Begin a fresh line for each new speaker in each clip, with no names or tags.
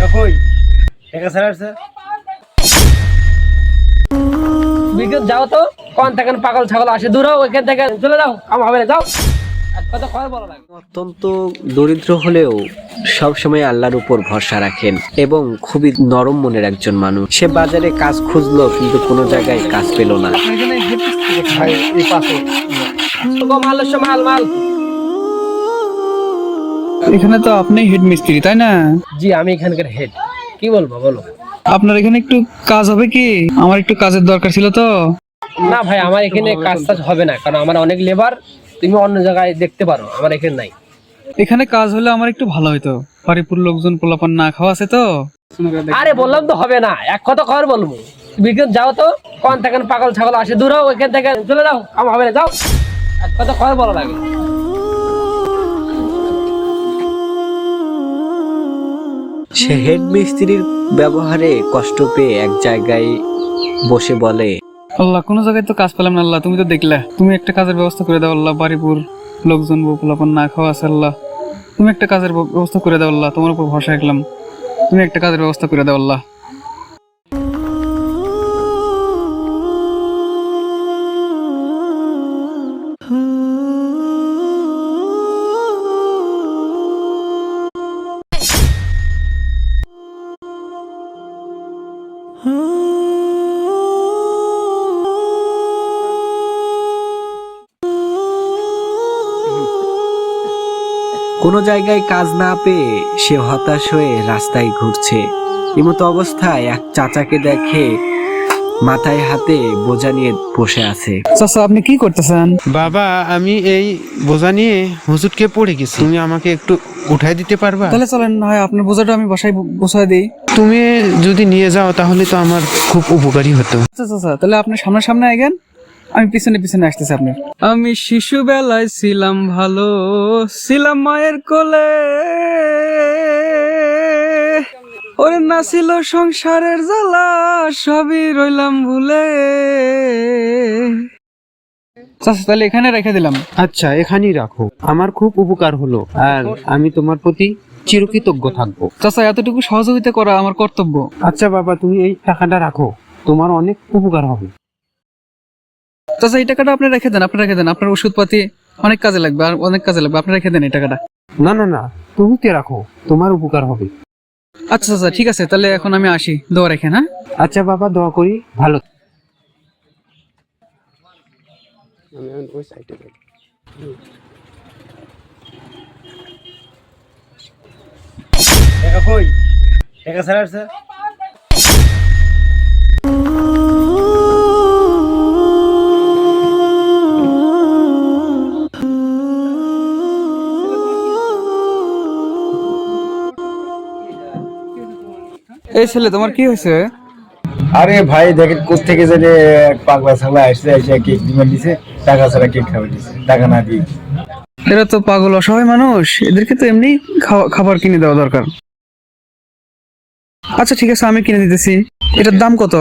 কই টাকা ছাড়াছে বিকেল যাও তো কোন থেকে পাগল ছাগল আসে দূর হও ওইখান থেকে চলে যাও কাম হবে না যাও এক কথা কয় বলা লাগে।
অত্যন্ত দরিদ্র হলেও সবসময় আল্লাহর উপর ভরসা রাখেন এবং খুবই নরম মনের একজন মানুষ। সে বাজারে কাজ খুঁজলো কিন্তু কোনো জায়গায় কাজ পেল না।
মাল মাল মাল
এখানে তো আপনি হেড মিস্ত্রি তাই না?
জি আমি এখানকার হেড। কি বলবো বলো?
আপনার এখানে একটু কাজ হবে কি? আমার একটু কাজের দরকার ছিল তো।
না ভাই আমার এখানে কাজ টাজ হবে না, কারণ আমার অনেক লেবার, তুমি অন্য জায়গায় দেখতে পারো, আমার এখানে নাই।
এখানে কাজ হলে আমার একটু ভালো হতো, বাড়িপুর লোকজন পোলাপান না খাওয়া আছে তো।
আরে বললাম তো হবে না, এক কথা কয় বলবো বিকেল যাও তো কোন থেকে পাগল ছাগল আসে দূর হও ওইখান থেকে চলে যাও কাম হবে না যাও এক কথা কয় বলা লাগে।
সে হেড মিস্ত্রির ব্যবহারে কষ্ট পেয়ে এক জায়গায় বসে বলে,
আল্লাহ কোনো জায়গায় তো কাজ পেলাম না, আল্লাহ তুমি তো দেখলে, তুমি একটা কাজের ব্যবস্থা করে দাও আল্লাহ, বাড়িপুর লোকজন পোলাপান না খাওয়া আছে আল্লাহ, তুমি একটা কাজের ব্যবস্থা করে দাও আল্লাহ, তোমার উপর ভরসা রাখলাম, তুমি একটা কাজের ব্যবস্থা করে দাও আল্লাহ।
কোনো জায়গায় কাজ না পেয়ে সে হতাশ হয়ে রাস্তায় ঘুরছে। এমতো অবস্থায় এক চাচাকে দেখে মাথায় হাতে বোঝা নিয়ে বসে আছে।
চাচা আপনি কি করতেছেন?
বাবা আমি এই বোঝা নিয়ে হুজুরকে পড়ে গেছি, তুমি আমাকে একটু উঠাই দিতে পারবা?
তাহলে চলেন না হয় আপনার বোঝাটা আমি বাসায় বসায় দিই।
তুমি যদি নিয়ে যাও তাহলে তো আমার খুব উপকারী হতো।
আচ্ছা চাচা তাহলে আপনি সামনে সামনে আইগেন, আমি পিছনে পিছনে আসতেছি আপনার। আমি শিশু বেলায় ছিলাম ভালো, ছিলাম মায়ের কোলে, ওরে না ছিল সংসারের জ্বালা, সবই রইলাম ভুলে। চাচা তাহলে এখানে রেখে দিলাম।
আচ্ছা এখানেই রাখো, আমার খুব উপকার হলো আর আমি তোমার প্রতি চিরকৃতজ্ঞ থাকবো।
চাচা এতটুকু সহযোগিতা করা আমার কর্তব্য।
আচ্ছা বাবা তুমি এই টাকাটা রাখো, তোমার অনেক উপকার হবে।
চাচা এই টাকাটা আপনি রেখে দেন, আপনি রেখে দেন, আপনার ওষুধপাতি অনেক কাজে লাগবে, আর অনেক কাজে লাগবে, আপনি রেখে দেন এই টাকাটা।
না না না তুমি তে রাখো, তোমার উপকার হবে।
আচ্ছা চাচা ঠিক আছে, তাহলে এখন আমি আসি, দোয়া রেখেন। হ্যাঁ
আচ্ছা বাবা দোয়া করি ভালো।
টাকা কই টাকা ছাড়াছে
এই ছেলে তোমার কি হয়েছে?
আরে ভাই দেখেন কোথেকে জানে পাগলা ছাগলা আসছে, এসে কেক দিবে দিছে, টাকা ছাড়া কেক খাবে দিছে, টাকা না দিয়ে।
এরা তো পাগল অসহায় মানুষ, এদেরকে তো এমনি খাবার কিনে দেওয়া দরকার। আচ্ছা ঠিক আছে আমি কিনে দিতেছি। এটার দাম কত?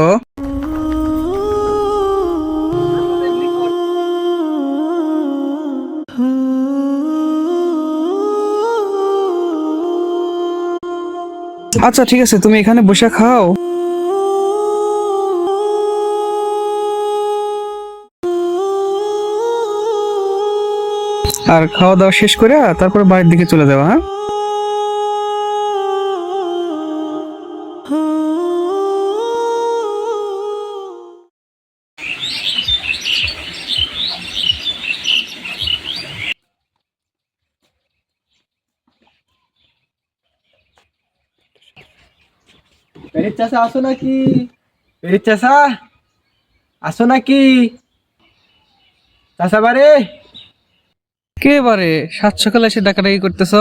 আচ্ছা ঠিক আছে তুমি এখানে বসে খাও। আর খাওয়া দাওয়া শেষ করে তারপর বাড়ির দিকে চলে যাওয়া। হ্যাঁ
পেরিত চাষা আসো নাকি? পেরিত চাষা আসো নাকি? চাষা বারে
কে বারে সাত সকালে এসে ডাকাডাকি করতেছ?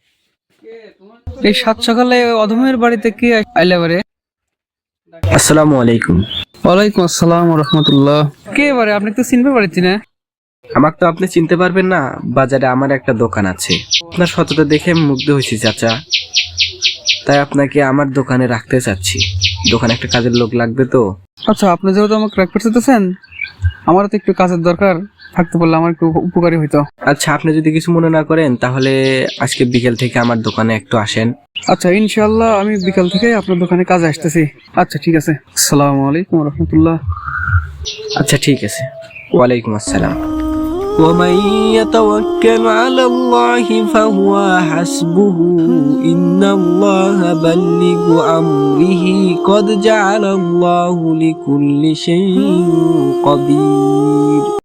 এই সাত সকালে অধমের বাড়িতে কে আইলে বারে?
আসসালামু আলাইকুম।
ওয়ালাইকুম আসসালাম রহমতুল্লাহ। কে বারে আপনি তো চিনতে পারছি না।
আমাকে তো আপনি চিনতে পারবেন না, বাজারে আমার একটা দোকান আছে, আপনার সততা দেখে আমি মুগ্ধ হয়েছি চাচা, তাই আপনাকে আমার দোকানে রাখতে চাচ্ছি। দোকানে একটা কাজের লোক লাগবে তো।
আচ্ছা আপনি যেহেতু আমাকে রাখতে চাইতেছেন আমারও তো একটু কাজের দরকার, থাকতে পারলে আমার একটু উপকারী হইতো।
আচ্ছা, আপনি যদি কিছু মনে না করেন তাহলে আজকে বিকেল থেকে আমার দোকানে একটু আসেন।
আচ্ছা ইনশাআল্লাহ আমি বিকাল থেকে আপনার দোকানে কাজে আসতেছি। আচ্ছা ঠিক আছে, আসসালামু আলাইকুম রহমতুল্লাহ।
আচ্ছা ঠিক আছে, ওয়ালাইকুম আসসালাম। ومن يتوكل على الله فهو حسبه إن الله بلغ أمره قد جعل الله لكل شيء قدير